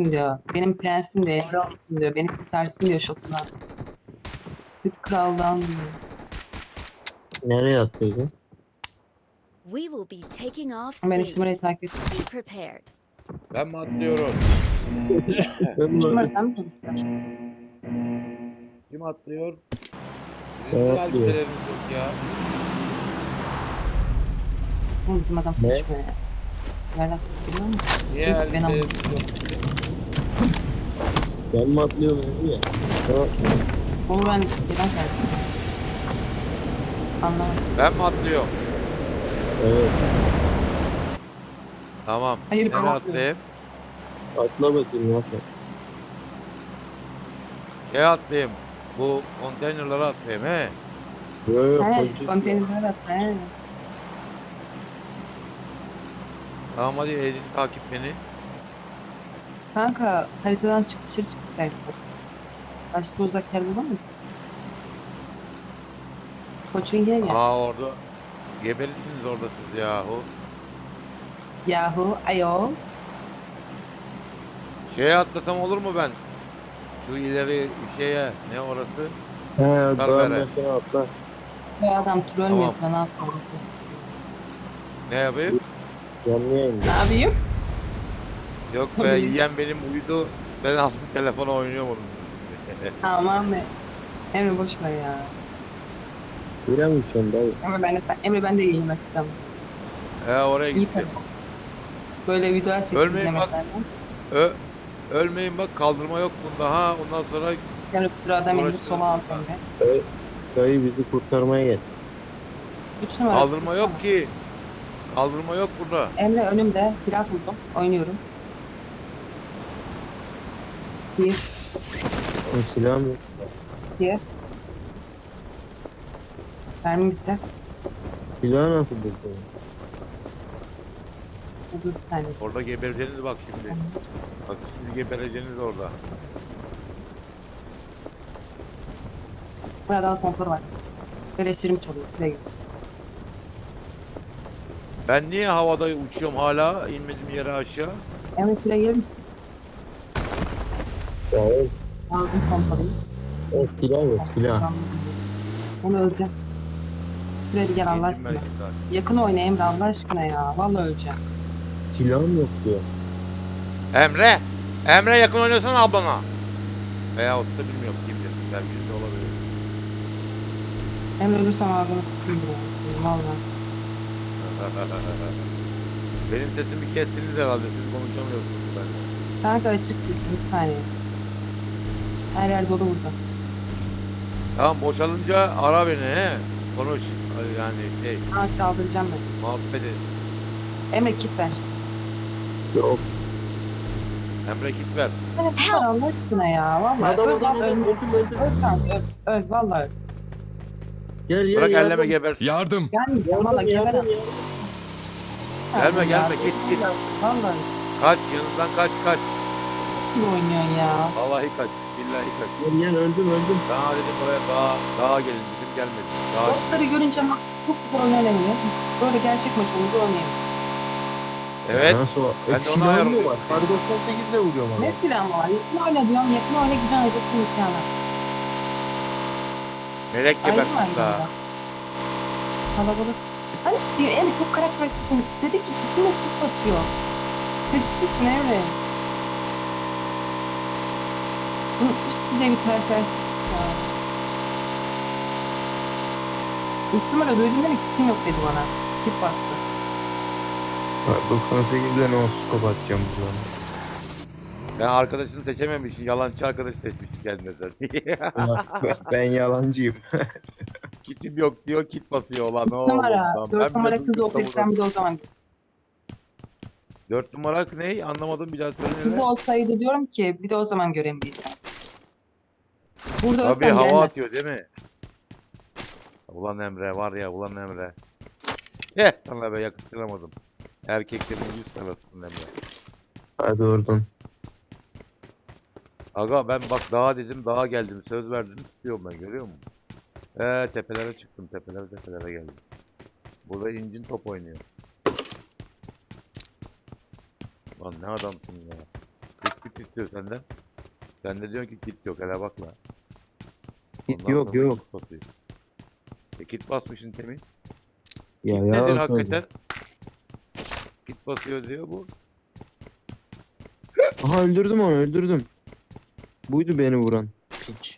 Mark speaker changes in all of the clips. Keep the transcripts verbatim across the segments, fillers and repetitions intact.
Speaker 1: olsun diyor. Benim prensim diyor. Emre olsun diyor. Beni kurtarsın diyor şokundan. Süt kraldan diyor.
Speaker 2: Nereye attıydın?
Speaker 3: We will be taking off
Speaker 1: Benim
Speaker 3: soon.
Speaker 1: numarayı takip et.
Speaker 3: Be prepared.
Speaker 4: Ben mi atlıyorum?
Speaker 1: Üç numara sen mi konuşuyorsun?
Speaker 4: Kim atlıyor?
Speaker 2: Ben
Speaker 4: Sizin niye
Speaker 2: atlıyorum.
Speaker 4: elbiseleriniz yok ya?
Speaker 1: Oğlum bizim adam
Speaker 2: Ne?
Speaker 1: konuşmuyor ya. Nereden biliyor musun?
Speaker 4: Niye
Speaker 1: Yok, ben
Speaker 4: elbiseleriniz yok?
Speaker 2: Ben mi atlıyorum dedi ya. Tamam.
Speaker 1: Onu ben neden geldim? Anlamadım.
Speaker 4: Ben mi atlıyorum?
Speaker 2: Evet.
Speaker 4: Tamam.
Speaker 1: Hayır, ben
Speaker 4: Nereye
Speaker 1: atlıyorum.
Speaker 4: atlayayım?
Speaker 2: Atla bakayım nasıl.
Speaker 4: Şeye atlayayım. Bu konteynerlara atlayayım he.
Speaker 2: Yok yok.
Speaker 1: He,
Speaker 2: konuşuyorsun.
Speaker 1: konteynerler atla he.
Speaker 4: Tamam hadi elini takip beni.
Speaker 1: Kanka haritadan çık dışarı çık dersin. Başka uzak yer bulamıyor musun? Koçinki'ye gel.
Speaker 4: Aa orada. Gebelisiniz orada siz yahu.
Speaker 1: Yahu ayol.
Speaker 4: Şeye atlasam olur mu ben? Şu ileri şeye ne orası?
Speaker 2: He
Speaker 4: Ver,
Speaker 2: dağın
Speaker 4: ver.
Speaker 2: başına atla.
Speaker 1: Bu adam troll mü
Speaker 4: Tamam.
Speaker 1: yapıyor? Ne yapıyor?
Speaker 4: Ne yapayım?
Speaker 2: Canlı yayında.
Speaker 1: Ne yapayım?
Speaker 4: Yok be yiyen benim uyudu. Ben aldım telefona oynuyorum onun.
Speaker 1: Aman be. Emre boş ver ya.
Speaker 2: Bilemeyeceğim dayı.
Speaker 1: Emre ben de, Emre ben de yiyeyim bakacağım.
Speaker 4: He oraya
Speaker 1: İyi
Speaker 4: gittim.
Speaker 1: tabii. Böyle videolar çektim
Speaker 4: Ölmeyin bak.
Speaker 1: izlemeklerden.
Speaker 4: Ö ölmeyin bak kaldırma yok bunda ha. Ondan sonra
Speaker 1: Emre bu adam elini
Speaker 4: Uğraştırırız
Speaker 1: sola al
Speaker 4: burada.
Speaker 1: Emre.
Speaker 2: Dayı, dayı bizi kurtarmaya gel.
Speaker 1: Üç numara.
Speaker 4: kaldırma yok ki. Kaldırma yok burada.
Speaker 1: Emre önümde. Silah buldum. Oynuyorum. Bir.
Speaker 2: Oğlum silahım yok.
Speaker 1: iki. Mermi bitti.
Speaker 2: Silahı nasıl buldun?
Speaker 1: Dur bir tane.
Speaker 4: Orada gebereceğiniz bak şimdi. Bak siz gebereceğiniz orada.
Speaker 1: Burada daha konfor var. Elektriğim çalıyor. Şuraya git.
Speaker 4: Ben niye havada uçuyorum hala? İnmedim yere aşağı.
Speaker 1: Emre şuraya gelir misin?
Speaker 2: Ya o,
Speaker 1: Aldım konforuyu.
Speaker 2: o silah yok silah.
Speaker 1: Onu öleceğim. Şuraya bir gel Allah
Speaker 4: İndim ben
Speaker 1: aşkına.
Speaker 4: şimdi zaten.
Speaker 1: Yakın oyna Emre Allah aşkına ya. Vallahi öleceğim.
Speaker 2: Silahım yok diyor.
Speaker 4: Emre! Emre yakın oynasana ablana. Veyahut da bilmiyorum kim bilir. Belki de olabilir.
Speaker 1: Emre ölürsem ağzını tutayım buraya. Valla.
Speaker 4: Benim sesimi kestiniz herhalde. Siz konuşamıyorsunuz benimle.
Speaker 1: Kanka açık değil. Bir saniye. Her yer dolu burada.
Speaker 4: Tamam boşalınca ara beni he. Konuş. Yani şey
Speaker 1: Ha kaldıracağım ben.
Speaker 4: muhabbet et.
Speaker 1: Emre kit ver.
Speaker 2: Yok.
Speaker 4: Emre git ver.
Speaker 1: Emre kit ver Allah aşkına ya. Valla
Speaker 2: Adam
Speaker 1: öl
Speaker 2: adam
Speaker 1: lan
Speaker 2: adam
Speaker 1: öl.
Speaker 2: öldüm öldüm.
Speaker 1: Öl kanka öl. Öl valla öl.
Speaker 2: Gel gel
Speaker 4: Bırak
Speaker 2: yardım.
Speaker 4: elleme gebersin.
Speaker 5: Yardım.
Speaker 1: Gelmeyeceğim valla
Speaker 2: Yardım
Speaker 1: geber.
Speaker 2: yardım yardım.
Speaker 4: Gelme gelme git git.
Speaker 1: Valla
Speaker 4: Kaç yanından kaç kaç.
Speaker 1: kim oynuyorsun ya?
Speaker 4: Vallahi kaç. Billahi kaç.
Speaker 2: Gel gel öldüm öldüm.
Speaker 4: Daha dedim buraya daha daha gelin dedim gelmedi. Daha
Speaker 1: Botları görünce bak çok güzel oynanamıyor. Böyle gerçek maç olur oynayayım.
Speaker 4: evet.
Speaker 2: Nasıl o?
Speaker 4: Ben
Speaker 2: E,
Speaker 4: de ona
Speaker 2: silahım
Speaker 4: ayarlıyorum.
Speaker 2: yok. Kar doksan sekizle vuruyorum ama.
Speaker 1: Ne silahım var? Yakın oyna diyorum. Yakın oyna güzel hedefin imkanı.
Speaker 4: Melek
Speaker 1: Ayrı mı
Speaker 4: gebersin
Speaker 1: ayrı
Speaker 4: daha.
Speaker 1: da? Kalabalık. Hani diyor Emre çok karakteristik. Dedi ki bütün ekip basıyor. Dedi ne öyle? Bunun üstü de bir karakteristik ya. Üç numara duydum dedi ki kim yok dedi bana. Kip bastı.
Speaker 2: Kar doksan sekizle ne skop atacağım buradan.
Speaker 4: Ben arkadaşını seçememişim. Yalancı arkadaş seçmişim kendine
Speaker 2: ben, ben yalancıyım.
Speaker 4: Kitim yok diyor, kit basıyor olan. Ne
Speaker 1: Üç
Speaker 4: oldu?
Speaker 1: numara.
Speaker 4: Lan
Speaker 1: Dört
Speaker 4: ben bile
Speaker 1: numara kız
Speaker 4: duydum
Speaker 1: olsaydı
Speaker 4: tabudan.
Speaker 1: sen bir de o zaman.
Speaker 4: Dört numara ne? Anlamadım bir daha söyle.
Speaker 1: Kız olsaydı diyorum ki bir de o zaman göremeyiz. Burada
Speaker 4: Tabii
Speaker 1: ölsem
Speaker 4: hava
Speaker 1: gelmez.
Speaker 4: atıyor değil mi? Ulan Emre var ya ulan Emre. Heh sana be yakıştıramadım. Erkeklerin yüz tarafısın Emre.
Speaker 2: Hadi oradan.
Speaker 4: Aga ben bak dağa dedim dağa geldim. Söz verdim tutuyorum ben görüyor musun? Eee tepelere çıktım tepelere tepelere geldim. Burada incin top oynuyor. Lan ne adamsın ya. Kız Kit istiyor senden. Sen de diyorsun ki kit yok, hele bak la.
Speaker 2: Git
Speaker 4: Ondan
Speaker 2: yok
Speaker 4: sonra
Speaker 2: yok.
Speaker 4: kit basıyor. E kit basmışsın temin.
Speaker 2: Ya
Speaker 4: Kit nedir
Speaker 2: yalan
Speaker 4: hakikaten? Kit basıyor diyor bu.
Speaker 2: söylüyor. Aha öldürdüm onu öldürdüm. Buydu beni vuran. Piç.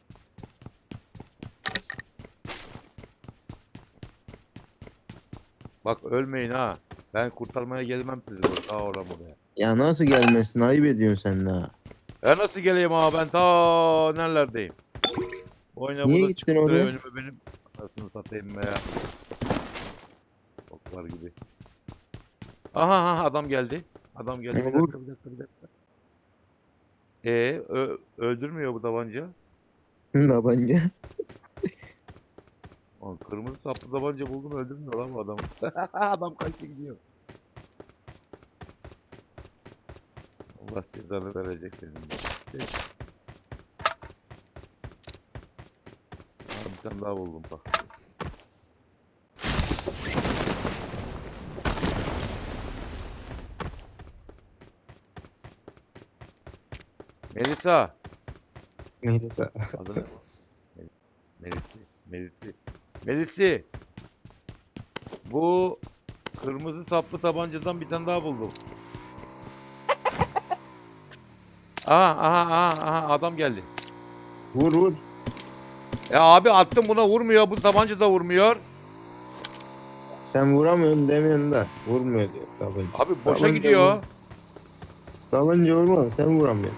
Speaker 4: Bak ölmeyin ha. Ben kurtarmaya gelmem sizi bak. Ta oraya buraya.
Speaker 2: Ya nasıl gelmesin ayıp ediyorsun sen daha.
Speaker 4: Ya nasıl geleyim abi, ben ta nerelerdeyim. Oyna
Speaker 2: Niye
Speaker 4: burada
Speaker 2: gittin
Speaker 4: çıkıp duruyor
Speaker 2: oraya?
Speaker 4: önüme benim. Anasını satayım be ya. Boklar gibi. Aha aha adam geldi. Adam geldi.
Speaker 2: Ya
Speaker 4: Bir
Speaker 2: vur.
Speaker 4: dakika bir dakika bir dakika. Ee, ö- öldürmüyor bu tabanca.
Speaker 2: Tabanca.
Speaker 4: Lan kırmızı saplı tabanca buldum, öldürmüyor lan bu adamı. Adam kaçtı gidiyor. Allah cezanı verecek senin de. Şey. Aa, bir tane daha buldum bak. Melisa.
Speaker 2: Melisa.
Speaker 4: Adı ne? Mel- Melisi. Melisi. Melisi. Bu kırmızı saplı tabancadan bir tane daha buldum. Aha aha aha aha adam geldi.
Speaker 2: Vur vur.
Speaker 4: Ya abi attım, buna vurmuyor. Bu tabanca da vurmuyor.
Speaker 2: Sen vuramıyorsun demiyorsun da. Vurmuyor diyor tabanca.
Speaker 4: Abi boşa
Speaker 2: Tabanca
Speaker 4: gidiyor.
Speaker 2: vur. Tabanca vurma sen vuramıyorsun.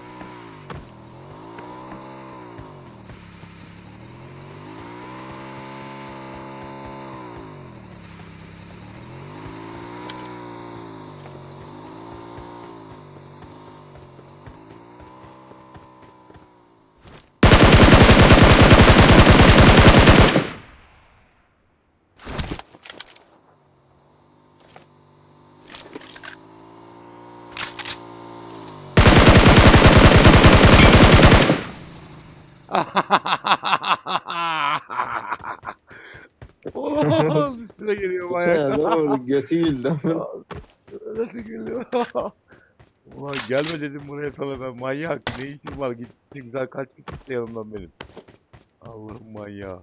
Speaker 4: Olamaz, üstüne geliyor
Speaker 2: Ya
Speaker 4: manyak.
Speaker 2: ne oldu götü güldü.
Speaker 4: Nasıl gülüyor? Ulan gelme dedim buraya sana ben, manyak. Ne işin var? Git güzel, kaç git işte yanımdan benim. Allah'ım manyağı.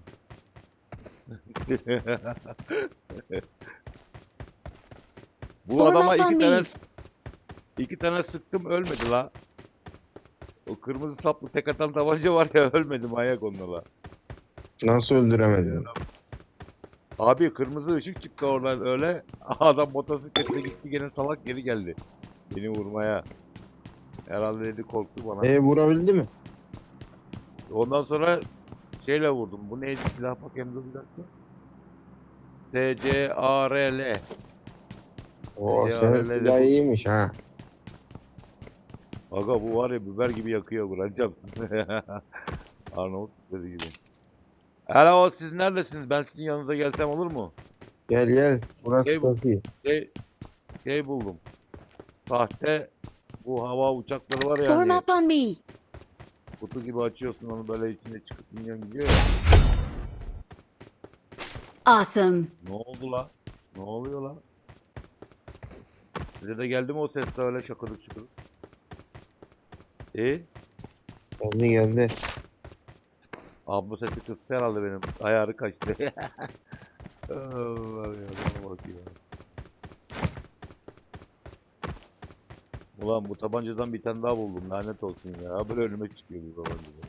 Speaker 4: Bu
Speaker 3: Form
Speaker 4: adama
Speaker 3: up on
Speaker 4: iki
Speaker 3: me.
Speaker 4: tane iki tane sıktım, ölmedi la. O kırmızı saplı tek atan tabanca var ya, ölmedi manyak onunla.
Speaker 2: Nasıl öldüremedin?
Speaker 4: Abi kırmızı ışık çıktı oradan öyle. Adam motosikletle gitti, gene salak geri geldi. Beni vurmaya. Herhalde dedi, korktu bana.
Speaker 2: E vurabildi mi?
Speaker 4: Ondan sonra şeyle vurdum. Bu neydi silah, bakayım dur bir dakika. S C A R L.
Speaker 2: Oo
Speaker 4: Ya
Speaker 2: senin
Speaker 4: öyle de
Speaker 2: silah
Speaker 4: bu-
Speaker 2: iyiymiş ha.
Speaker 4: Aga bu var ya, biber gibi yakıyor, vuracağım sizi. Arnavut biberi gibi. Alo, siz neredesiniz? Ben sizin yanınıza gelsem olur mu?
Speaker 2: Gel gel. Burası
Speaker 4: Şey bu-
Speaker 2: çok iyi.
Speaker 4: Şey, şey buldum. Sahte bu hava uçakları var ya
Speaker 3: Form
Speaker 4: hani,
Speaker 3: up on me.
Speaker 4: kutu gibi açıyorsun onu, böyle içinde çıkıp minyon gidiyor ya.
Speaker 3: Awesome.
Speaker 4: Ne oldu la? Ne oluyor la? Size de geldi mi o ses de öyle şakırık şıkırık? E?
Speaker 2: Geldi geldi.
Speaker 4: Abla sesi kıstı herhalde benim. Ayarı kaçtı. Allah ya, bana bak ya. Ulan bu tabancadan bir tane daha buldum, lanet olsun ya. Böyle önüme çıkıyor bu tabancadan.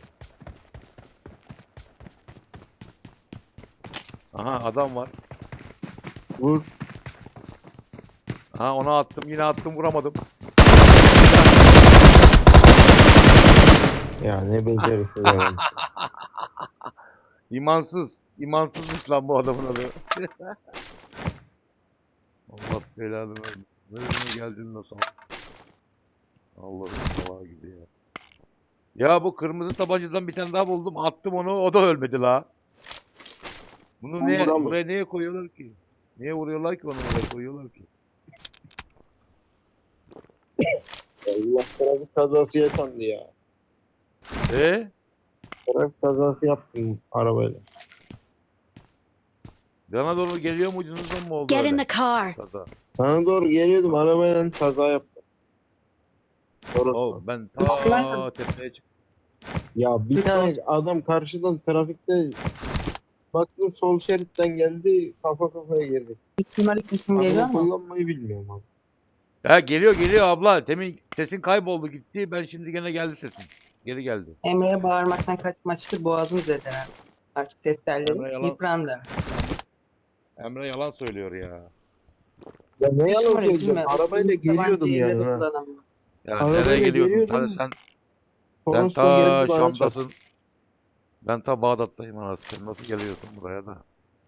Speaker 4: Aha adam var.
Speaker 2: Vur.
Speaker 4: Aha ona attım, yine attım, vuramadım.
Speaker 2: Ya ne becerisi var.
Speaker 4: İmansız. İmansızmış lan bu adamın adı. Allah belanı versin. Nereye geldin nasıl? Allah'ım salağa gibi ya. Ya bu kırmızı tabancadan bir tane daha buldum. Attım onu. O da ölmedi la. Bunu niye,
Speaker 2: Vuramıyor.
Speaker 4: buraya niye koyuyorlar ki? Niye vuruyorlar ki onu, buraya koyuyorlar ki?
Speaker 2: Allah trafik kazası yaşandı ya.
Speaker 4: E?
Speaker 2: Trafik kazası yaptım arabayla.
Speaker 4: Bana doğru geliyor muydunuz mu oldu
Speaker 3: Get in
Speaker 4: öyle?
Speaker 3: the car.
Speaker 4: Kaza.
Speaker 2: Sana doğru geliyordum arabayla kaza yaptım. Orası.
Speaker 4: Oğlum ben
Speaker 1: Üstünden
Speaker 4: ta
Speaker 1: tabii.
Speaker 4: tepeye çıktım.
Speaker 2: Ya bir
Speaker 1: Kötü
Speaker 2: tane adam karşıdan trafikte baktım sol şeritten geldi, kafa kafaya girdi.
Speaker 1: ihtimal isim geliyor
Speaker 2: Araba
Speaker 1: ama.
Speaker 2: kullanmayı bilmiyorum abi.
Speaker 4: Ya geliyor geliyor abla. Demin sesin kayboldu gitti. Ben şimdi gene geldi sesin. Geri geldi.
Speaker 1: Emre'ye bağırmaktan kaçmaçtı. Boğazım zedelen. Artık ses telleri
Speaker 4: Emre yalan
Speaker 1: yıprandı.
Speaker 4: Emre yalan söylüyor ya.
Speaker 2: Ya ne
Speaker 1: Hiç
Speaker 2: yalan
Speaker 1: numarayı
Speaker 2: söyleyeceğim.
Speaker 1: bilmiyorum.
Speaker 2: Arabayla geliyordum
Speaker 1: Tabancayı
Speaker 2: yani.
Speaker 1: evde
Speaker 2: Ha.
Speaker 1: kullanamıyorum.
Speaker 4: Ya
Speaker 2: Arabayla
Speaker 4: nereye geliyordun? Ta,
Speaker 2: geliyordum.
Speaker 4: sen sen
Speaker 2: Toros'ta
Speaker 4: ta
Speaker 2: geldi bana çarptı.
Speaker 4: Şam'dasın. Ben ta Bağdat'tayım anasını. Sen nasıl geliyorsun buraya da?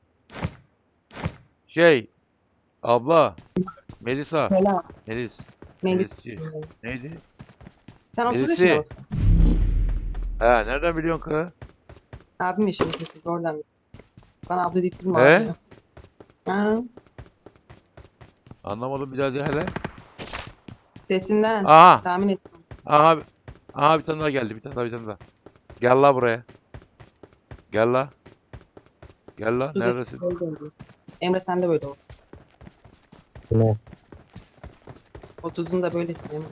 Speaker 4: Şey abla Melisa
Speaker 1: Selam.
Speaker 4: Melis
Speaker 1: Melis.
Speaker 4: Melisci neydi?
Speaker 1: Sen otuz
Speaker 4: Melisi.
Speaker 1: yaşında mısın?
Speaker 4: He nereden biliyorsun kız?
Speaker 1: Abim yaşında mısın? Oradan. Bana abla deyip durma
Speaker 4: He?
Speaker 1: abi. Ha,
Speaker 4: Anlamadım bir daha de hele.
Speaker 1: sesinden
Speaker 4: Aha
Speaker 1: tahmin ettim.
Speaker 4: aha aha bir tane daha geldi bir tane daha bir tane daha. Gel la buraya. Gel la. Gel la
Speaker 1: Dur,
Speaker 4: neredesin?
Speaker 1: dur, dur, dur. Emre sen de böyle ol.
Speaker 2: Ne?
Speaker 1: otuzunda böylesin Emre.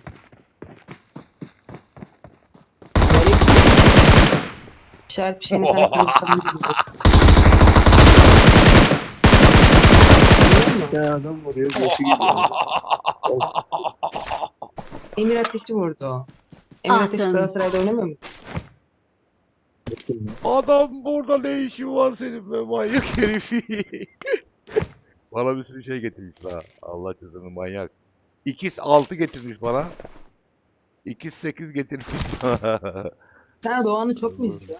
Speaker 1: İşaret bir şeyini sana konuşalım.
Speaker 2: Bir tane adam vuruyor. Götü gidiyor.
Speaker 1: Emir Ateş'i vurdu. Emir Ateş
Speaker 3: Awesome.
Speaker 1: Galatasaray'da oynamıyor mu?
Speaker 4: Adam burada ne işin var senin be manyak herifi. Bana bir sürü şey getirmiş la. Allah cezanı manyak. İkiz altı getirmiş bana. İkiz sekiz getirmiş bana.
Speaker 1: Sen Doğan'ı çok mu izliyorsun?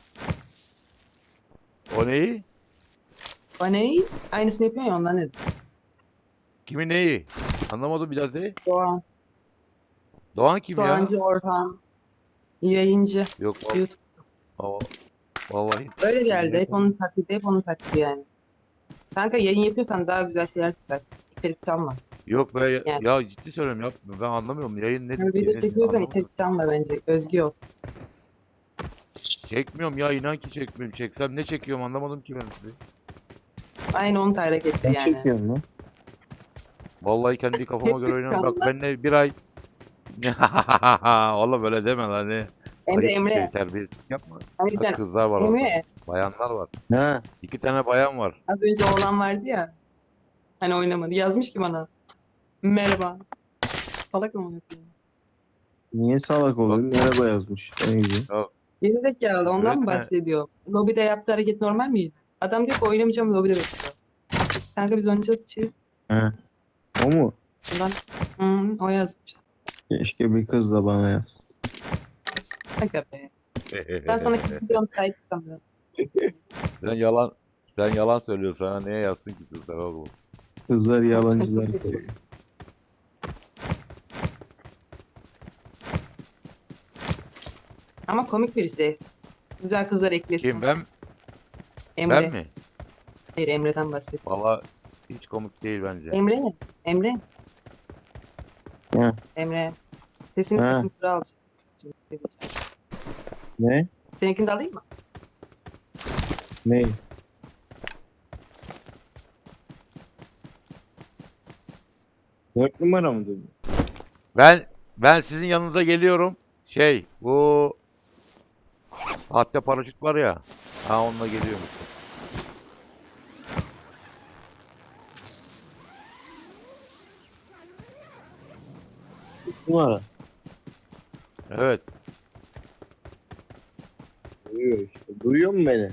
Speaker 4: O neyi?
Speaker 1: Bana neyi? Aynısını yapıyorsun ya ondan dedim.
Speaker 4: Kimi neyi? Anlamadım biraz de.
Speaker 1: Doğan.
Speaker 4: Doğan kim ya?
Speaker 1: Doğancı Orhan. Yayıncı.
Speaker 4: Yok vallahi.
Speaker 1: YouTube.
Speaker 4: Aa, vallahi.
Speaker 1: Öyle geldi. Hep onun taklidi, hep onun taklidi yani. Kanka yayın yapıyorsan daha güzel şeyler çıkar. İçerik çalma.
Speaker 4: Yok be ya,
Speaker 1: Yani.
Speaker 4: ya ciddi söylüyorum yapma. Ben anlamıyorum. Yayın nedir
Speaker 1: Yani
Speaker 4: ki?
Speaker 1: video
Speaker 4: Nedir?
Speaker 1: çekiyorsan
Speaker 4: Anlamadım.
Speaker 1: içerik çalma bence. Özgü ol.
Speaker 4: Çekmiyorum ya inan ki çekmiyorum. Çeksem ne çekiyorum anlamadım ki ben sizi.
Speaker 1: Aynı onun hareketi
Speaker 2: Ne
Speaker 1: yani.
Speaker 2: çekiyorsun lan?
Speaker 4: Vallahi kendi kafama göre oynuyorum. Bak
Speaker 1: Gerçekten
Speaker 4: benimle bir ay oğlum böyle deme lan ne.
Speaker 1: Emre
Speaker 4: Ayıp bir
Speaker 1: Emre.
Speaker 4: şey terbiyesizlik yapma.
Speaker 1: Hani
Speaker 4: Bak
Speaker 1: sen
Speaker 4: kızlar var orada.
Speaker 1: Emre.
Speaker 4: Bayanlar var.
Speaker 2: Ha.
Speaker 4: İki tane bayan var.
Speaker 1: Az önce oğlan vardı ya. Hani oynamadı. Yazmış ki bana. Merhaba. Salak mı yapıyor?
Speaker 2: Niye salak oluyor? Merhaba yazmış. Ne güzel.
Speaker 1: Geri zekalı ondan mı
Speaker 4: Öğretmen-
Speaker 1: bahsediyor? Lobide yaptığı hareket normal miydi? Adam diyor ki oynamayacağım lobide bekliyor. Kanka biz oynayacağız şey.
Speaker 2: Ha. O mu?
Speaker 1: Ondan hı, o yazmış.
Speaker 2: Keşke bir kız da bana yaz.
Speaker 1: Kanka be. Ben sana gidiyorum sahip çıkamıyorum.
Speaker 4: Sen yalan sen yalan söylüyorsun sana neye yazsın ki kızlar oğlum?
Speaker 2: Kızlar yalancılar seviyor.
Speaker 1: Ama komik birisi. Güzel kızlar eklesin.
Speaker 4: Kim ben?
Speaker 1: Emre.
Speaker 4: Ben mi?
Speaker 1: Hayır Emre'den bahset.
Speaker 4: Valla hiç komik değil bence.
Speaker 1: Emre. Emre.
Speaker 2: Ha.
Speaker 1: Emre. Sesini
Speaker 2: Ha.
Speaker 1: sıkıntıra al.
Speaker 2: Ne?
Speaker 1: Seninkini de alayım mı?
Speaker 2: Ne? Dört numara mı dedin?
Speaker 4: Ben ben sizin yanınıza geliyorum. Şey bu sahte paraşüt var ya. Ha onunla geliyorum.
Speaker 2: Dört numara.
Speaker 4: Evet.
Speaker 2: Duyuyor işte. Duyuyor mu beni?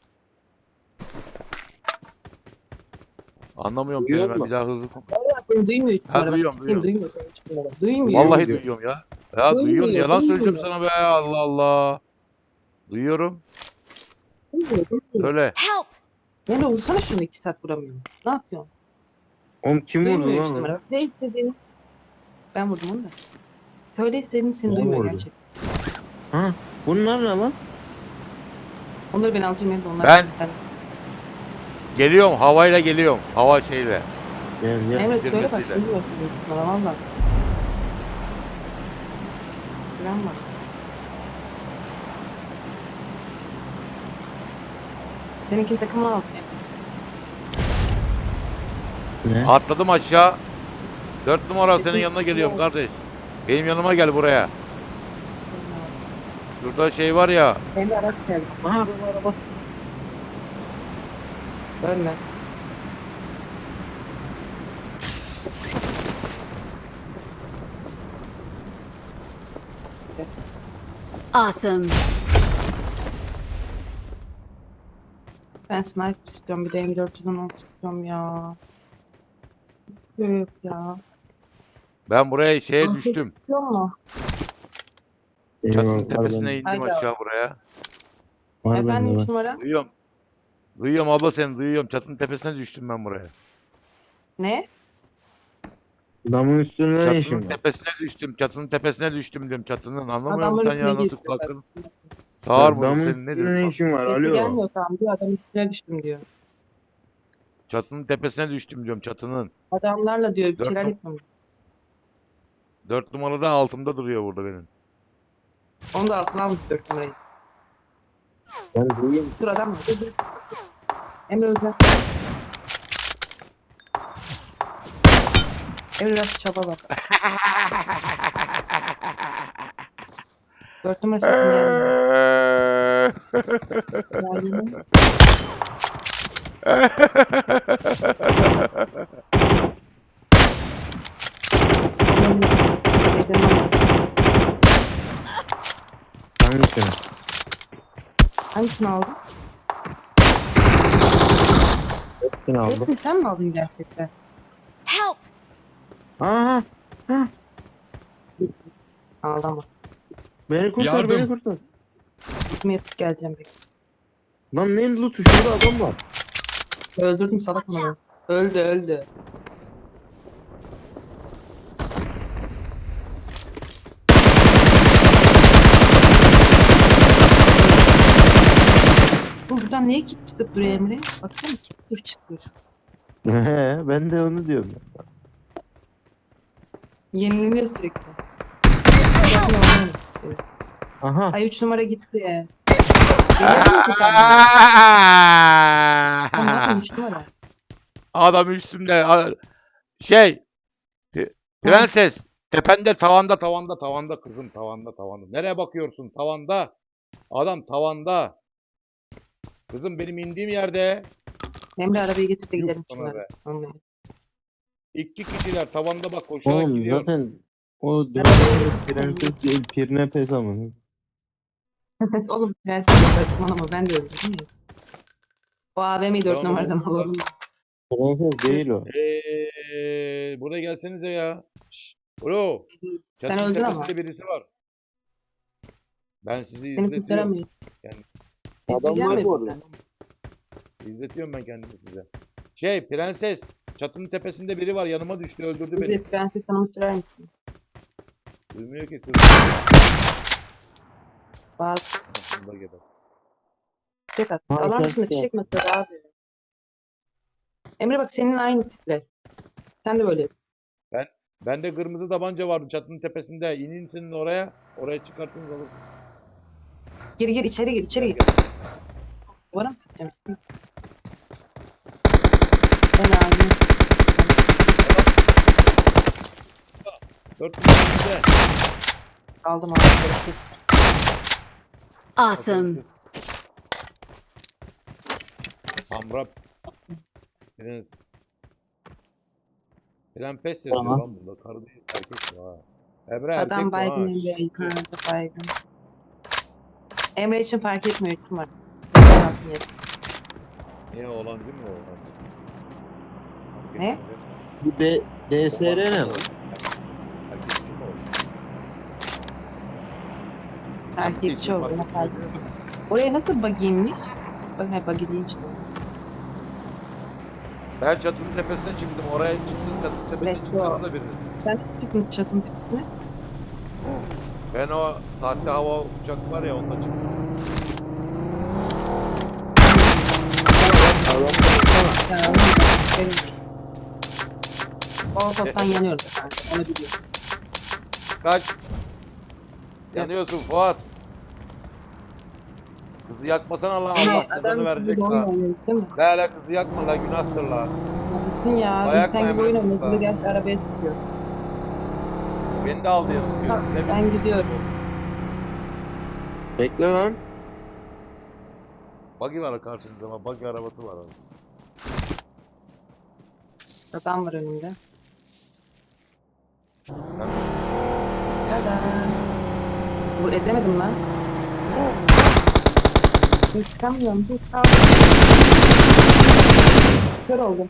Speaker 4: Anlamıyorum
Speaker 2: Duyuyor
Speaker 4: kelime
Speaker 2: mu?
Speaker 4: bir daha hızlı konuş.
Speaker 1: Seni duymuyor hiç
Speaker 4: Ha,
Speaker 1: numara.
Speaker 4: duyuyorum,
Speaker 1: Seni
Speaker 4: duyuyorum.
Speaker 1: Duymuyor seni hiç numara. Duymuyor.
Speaker 4: Vallahi
Speaker 2: Duyuyor.
Speaker 4: duyuyorum ya. Ya
Speaker 1: Duymuyor,
Speaker 4: duyuyorsun yalan söyleyeceğim
Speaker 1: duymuyor.
Speaker 4: sana be Allah Allah. Duyuyorum.
Speaker 1: Duymuyor. Duymuyor.
Speaker 4: Söyle.
Speaker 3: Help!
Speaker 1: Emre vursana şunu iki saat vuramıyorum. Ne yapıyorsun?
Speaker 2: Oğlum kim vurdu
Speaker 1: Duymuyor hiç
Speaker 2: lan? onu?
Speaker 1: numara. Ne istediğini? Ben vurdum onu da. Söyle istediğini seni
Speaker 2: Ben
Speaker 1: duymuyor
Speaker 2: vurdum.
Speaker 1: gerçekten.
Speaker 2: Ha? Bunlar ne lan?
Speaker 1: Onları ben alacağım Emre. Onlar
Speaker 4: Ben-
Speaker 1: ben...
Speaker 4: Geliyorum havayla geliyorum. Hava şeyle.
Speaker 2: Gel gel.
Speaker 1: Emre söyle bak.
Speaker 4: Girmesiyle.
Speaker 1: Duymuyor seni. Numara valla. Güven var. Seninkini takıma al.
Speaker 2: Ne?
Speaker 4: Atladım aşağı. Dört numara senin yanına geliyorum kardeş. Benim yanıma gel buraya. Şurada şey var ya.
Speaker 1: Emre araç geldi.
Speaker 2: Aha bu araba.
Speaker 1: Ölme.
Speaker 3: Awesome.
Speaker 1: Ben sniper istiyorum. Bir de M dört yüz on altı istiyorum ya. Yok yok ya.
Speaker 4: Ben buraya şeye
Speaker 1: Ah,
Speaker 4: düştüm.
Speaker 1: İstiyor mu?
Speaker 4: Çatının
Speaker 2: Eyvah,
Speaker 4: tepesine
Speaker 2: var
Speaker 4: indim
Speaker 1: Haydi.
Speaker 4: aşağı buraya.
Speaker 2: Var
Speaker 1: Efendim
Speaker 2: bende
Speaker 1: üç
Speaker 2: var.
Speaker 1: numara.
Speaker 4: Duyuyorum. Duyuyorum abla seni duyuyorum. Çatının tepesine düştüm ben buraya.
Speaker 1: Ne?
Speaker 2: Damın üstünde ne
Speaker 4: Çatının
Speaker 2: işin var?
Speaker 4: tepesine düştüm. Çatının tepesine düştüm diyorum çatının. Anlamıyor
Speaker 1: Adamın
Speaker 4: musun sen
Speaker 1: üstüne
Speaker 4: ya nasıl
Speaker 1: geçti.
Speaker 4: kulakların? Sağır mı
Speaker 2: Damın
Speaker 4: senin
Speaker 2: üstünde
Speaker 4: nedir?
Speaker 2: ne
Speaker 4: lan?
Speaker 2: işin var?
Speaker 1: Sesi
Speaker 2: Alo.
Speaker 1: gelmiyor tamam diyor. Adam üstüne düştüm diyor.
Speaker 4: Çatının tepesine düştüm diyorum çatının.
Speaker 1: Adamlarla diyor bir
Speaker 4: Dört
Speaker 1: şeyler
Speaker 4: num-
Speaker 1: yapmam.
Speaker 4: Dört numarada altımda duruyor burada benim.
Speaker 1: Onu da altına almış dört numarayı.
Speaker 2: Ben duyuyorum.
Speaker 1: Dur adam mı? Dur dur. Emre Özel. Emre biraz çaba bak. Dört numara sesim gelmiyor. Geldi mi?
Speaker 2: Hangisini?
Speaker 1: Hangisini aldın?
Speaker 2: Hepsini aldım.
Speaker 1: Hepsini sen mi aldın gerçekten?
Speaker 3: Help!
Speaker 2: Aha.
Speaker 1: Aldım ama.
Speaker 2: Beni kurtar
Speaker 5: Yardım.
Speaker 2: beni kurtar.
Speaker 1: Gitmeye yatıp geleceğim bekle.
Speaker 2: Lan ne loot'u şurada adam var.
Speaker 1: Öldürdüm salak mı? Öldü öldü. Bu buradan niye kit çıkıp duruyor Emre? Baksana kit dur çıkıyor.
Speaker 2: He, ben de onu diyorum.
Speaker 1: Yenileniyor sürekli.
Speaker 2: Aha.
Speaker 1: Ay üç numara gitti. Geliyor mu ki sen? Sen ne yapıyorsun üç numara?
Speaker 4: Adam üstümde. a- Şey. P- Prenses. Tepende tavanda tavanda tavanda kızım tavanda tavanda. Nereye bakıyorsun tavanda? Adam tavanda. Kızım benim indiğim yerde.
Speaker 1: Emre arabayı getir de
Speaker 4: Yuh
Speaker 1: gidelim
Speaker 4: sana
Speaker 1: şunlara.
Speaker 4: be.
Speaker 1: Anlayın.
Speaker 4: İki kişiler tavanda bak koşarak
Speaker 2: Oğlum
Speaker 4: gidiyor.
Speaker 2: zaten o dönemde prenses değil pirine pes ama.
Speaker 1: Oğlum prenses saçmalama ben de öldürdüm ya. O A V M'yi dört
Speaker 4: Tamam,
Speaker 1: numaradan
Speaker 4: oğlum.
Speaker 1: alalım.
Speaker 2: Prenses değil o.
Speaker 4: Eee buraya gelsenize ya. Şşş. Alo.
Speaker 1: Sen
Speaker 4: Çatının
Speaker 1: öldün ama.
Speaker 4: tepesinde birisi var. Ben sizi
Speaker 1: Seni
Speaker 4: izletiyorum.
Speaker 1: kurtaramayız.
Speaker 4: Yani
Speaker 2: Adam
Speaker 1: Gelme
Speaker 2: var bu arada.
Speaker 1: buradan.
Speaker 4: İzletiyorum ben kendimi size. Şey prenses. Çatının tepesinde biri var yanıma düştü öldürdü beni.
Speaker 1: Bizi prenses sana sürer misin?
Speaker 4: Duymuyor ki kız.
Speaker 1: Bazı
Speaker 4: Aslında geber.
Speaker 1: fişek at.
Speaker 2: Ha,
Speaker 1: Alan
Speaker 2: sen-
Speaker 1: dışında
Speaker 2: sen-
Speaker 1: fişek mi atıyor abi? Emre bak senin aynı tipler. Sen de böyle.
Speaker 4: Bende kırmızı tabanca vardı çatının tepesinde. İnin senin oraya. Oraya çıkartın alırsın.
Speaker 1: Gir gir içeri gir içeri gir. Duvara mı gideceğim? Ben abi.
Speaker 4: Dört numarasında.
Speaker 1: Aldım abi.
Speaker 3: Awesome.
Speaker 4: Hamra. Prens. Prens yazıyor
Speaker 2: Tamam.
Speaker 4: lan burada. Karı değil erkek bu ha. Emre erkek
Speaker 1: Adam
Speaker 4: bu ha.
Speaker 1: baygın Emre.
Speaker 4: Şşş.
Speaker 1: Yukarıda baygın. Emre için fark etmiyor. Kim var?
Speaker 4: Niye oğlancı mı o?
Speaker 1: Ne?
Speaker 2: Bu D DSR ne lan?
Speaker 4: Erkekçi mi o?
Speaker 1: Erkekçi oldu. Ona fark etmiyor. Oraya nasıl buggy'ymiş? Bak ne buggy değilmiş.
Speaker 4: Ben çatının tepesine çıktım. Oraya çıktım. Çatının tepesine
Speaker 1: Let's
Speaker 4: çıktım
Speaker 1: go.
Speaker 4: da birini.
Speaker 1: Sen çıktın çatın tepesine.
Speaker 4: Ben o sahte hava uçak var ya onunla çıktım.
Speaker 1: Ya, benim. O toptan yanıyorum. Ben onu biliyorum.
Speaker 4: Kaç. Yanıyorsun Fuat. Kızı yakmasana lan Allah
Speaker 1: Hani
Speaker 4: cezanı
Speaker 1: adam
Speaker 4: verecek
Speaker 1: gibi oyun
Speaker 4: lan.
Speaker 1: oynuyor değil mi?
Speaker 4: Ne ala kızı yakma lan günahtır lan.
Speaker 1: Gitsin ya.
Speaker 4: Dayak
Speaker 1: Sen gibi oyun
Speaker 4: mı
Speaker 1: oynuyor.
Speaker 4: yemedin
Speaker 1: Burada gel arabaya çıkıyor.
Speaker 4: Beni de al diye sıkıyor.
Speaker 1: Ha,
Speaker 4: Ne
Speaker 1: ben
Speaker 4: bileyim.
Speaker 1: gidiyorum.
Speaker 2: Bekle lan.
Speaker 4: Buggy var karşınızda ama buggy arabası var. Abi.
Speaker 1: Adam var önümde.
Speaker 4: Ben
Speaker 1: Tada. Bu edemedim ben. Hiç çıkamıyorum. Hiç kaldım. Kör oldum.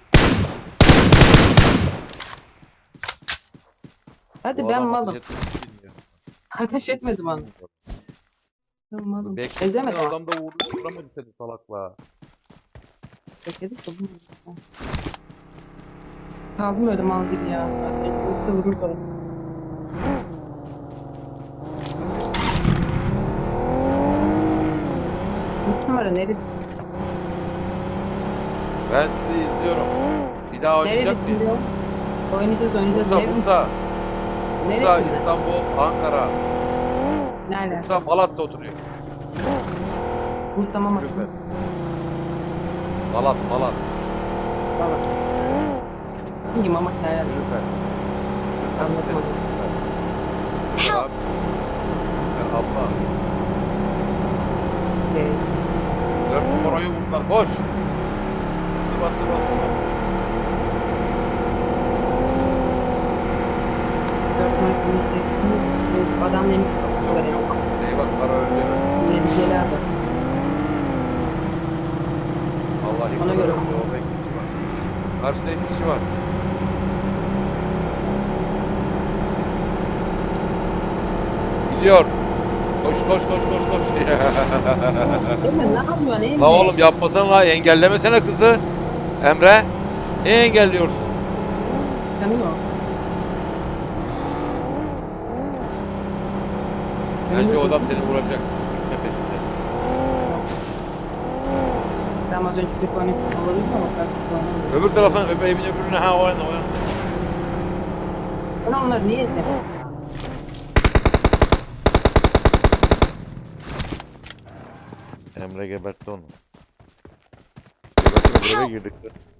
Speaker 1: Hadi
Speaker 4: bu
Speaker 1: ben
Speaker 4: adam
Speaker 1: malım.
Speaker 4: ateş etmeyi bilmiyor.
Speaker 1: Ateş etmedim onu. Ben malım.
Speaker 4: Bekle.
Speaker 1: Ezemedim.
Speaker 4: Adam da vurdu. Vuramadı seni salakla.
Speaker 1: Bekledik de bu. Kaldım öyle mal gibi ya. Yoksa vururdu. Üç numara nerede?
Speaker 4: Ben sizi izliyorum. Bir daha oynayacak
Speaker 1: Neredesin
Speaker 4: mıyız?
Speaker 1: diyor? Oynayacağız oynayacağız.
Speaker 4: Burada,
Speaker 1: Nerede?
Speaker 4: burada. Burada
Speaker 1: Nerede?
Speaker 4: İstanbul, Ankara.
Speaker 1: Nerede?
Speaker 4: Bursa, Malat'ta oturuyor.
Speaker 1: Bu tamam
Speaker 4: Süper.
Speaker 1: atın.
Speaker 4: Malat, Malat.
Speaker 1: Valla. Hangi mamak nerede?
Speaker 4: Süper.
Speaker 1: Anladım onu.
Speaker 4: Süper abi. Süper abla.
Speaker 1: Ee,
Speaker 4: Dört numarayı vurdular. Koş. Sıvat, sıvat, sıvat.
Speaker 1: dört numara klinikte. Adam benim
Speaker 4: Yok yok. Eyvah para öldü.
Speaker 1: yeni abi.
Speaker 4: Vallahi
Speaker 1: Ona
Speaker 4: para
Speaker 1: göre.
Speaker 4: öldü. Orada iki kişi var. Karşıda iki kişi var. Gidiyor. Koş koş koş koş koş.
Speaker 1: Emre ne yapıyorsun Emre?
Speaker 4: La oğlum yapmasana la, engellemesene kızı. Emre. Niye engelliyorsun?
Speaker 1: Tanıyor.
Speaker 4: Bence o adam seni vuracak. Gitme peşinde.
Speaker 1: Tam az önce bir oyunu olabilir ama ben kullanamıyorum.
Speaker 4: Öbür taraftan öbür evin öbürüne ha o yana o yana.
Speaker 1: Ben onları niye izledim?
Speaker 4: Emre gebertti onu. Gebertti eve girdik.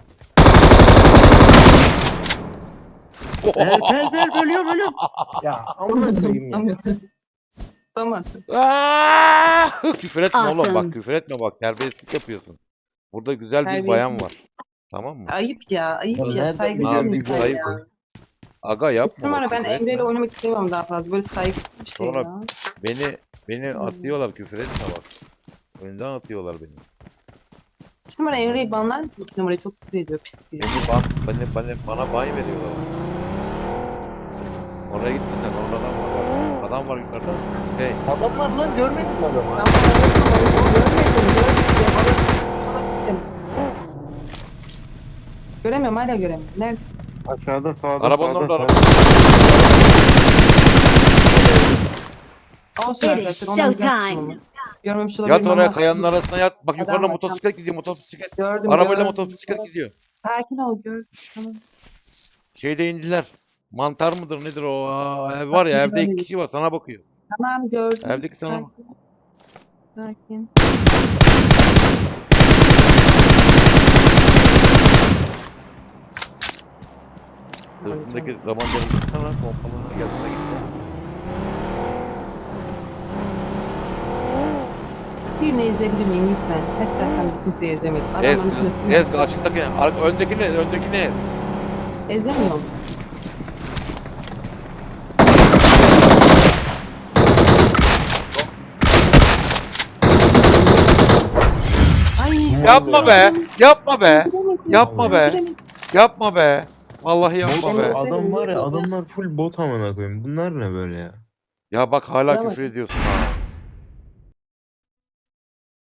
Speaker 2: Bel bel bel bölüyor bölüyor. Ya amına koyayım ya.
Speaker 1: Anladım. Tamam.
Speaker 4: Aaaa! Küfür etme oğlum
Speaker 3: Awesome.
Speaker 4: bak, küfür etme bak, terbiyesizlik yapıyorsun. Burada güzel bir bayan var. Tamam mı?
Speaker 1: Ayıp ya, ayıp
Speaker 2: Ya
Speaker 1: ya.
Speaker 2: nereden
Speaker 1: Saygı
Speaker 2: biliyorsun
Speaker 1: duyuyorum
Speaker 2: güzel
Speaker 1: ya.
Speaker 2: ya?
Speaker 4: Aga yapma
Speaker 1: Numara
Speaker 4: bak,
Speaker 1: ben
Speaker 4: küfür
Speaker 1: Emre ile
Speaker 4: etme.
Speaker 1: oynamak istemiyorum daha fazla. Böyle saygısız bir şey
Speaker 4: Sonra-
Speaker 1: ya.
Speaker 4: Beni beni
Speaker 1: Hmm.
Speaker 4: atıyorlar, küfür etme bak. Önden atıyorlar beni.
Speaker 1: İki numara Emre'yi banlar mı? İki numarayı çok küfür ediyor. Pislik biri.
Speaker 4: Beni ban, beni, beni, bana bay veriyorlar. Oraya gitme sen, orada adam var. Bak. Adam var yukarıda. Hey,
Speaker 2: Adam var lan görmedin mi adamı?
Speaker 1: Ben bunu görmedim, görmedim. Görmedim. Göremiyorum, hala göremiyorum. Nerede?
Speaker 2: Aşağıda sağda
Speaker 4: arabanın
Speaker 2: sağda.
Speaker 4: orada.
Speaker 2: sağda.
Speaker 1: Olsun
Speaker 3: It
Speaker 1: arkadaşlar.
Speaker 3: is
Speaker 1: ondan
Speaker 3: showtime.
Speaker 1: biraz görmemiş olabilirim
Speaker 4: Yat oraya,
Speaker 1: ama
Speaker 4: kayanın arasına yat. Bak
Speaker 1: Adam
Speaker 4: yukarıda
Speaker 1: var,
Speaker 4: motosiklet gidiyor, motosiklet.
Speaker 1: gördüm.
Speaker 4: Arabayla
Speaker 1: gördüm.
Speaker 4: motosiklet gidiyor.
Speaker 1: Sakin ol, gördüm. Tamam.
Speaker 4: Şeyde indiler. Mantar mıdır nedir o? Aa, ev var ya, evde iki kişi var, sana bakıyor.
Speaker 1: Tamam, gördüm.
Speaker 4: Evdeki sana bak.
Speaker 1: Sakin. Sakin.
Speaker 4: Sırtındaki tabancaları tutsana, pompalarına gelsene gitti.
Speaker 1: Birini ezebilir miyim lütfen? Hatta sen de kimseyi ezemedim.
Speaker 4: Ez,
Speaker 1: Adamların üstüne
Speaker 4: ez, açıktaki, arka, öndekini, öndekini ez.
Speaker 1: ezemiyorum. Ay,
Speaker 4: Yapma be, yapma be, yapma be,
Speaker 1: öldüremedim.
Speaker 4: yapma be. Vallahi yapma
Speaker 2: Oğlum,
Speaker 4: be.
Speaker 2: adam var ya adamlar full bot amına koyayım. Bunlar ne böyle ya?
Speaker 4: Ya bak hala
Speaker 1: Bravo.
Speaker 4: küfür ediyorsun ha.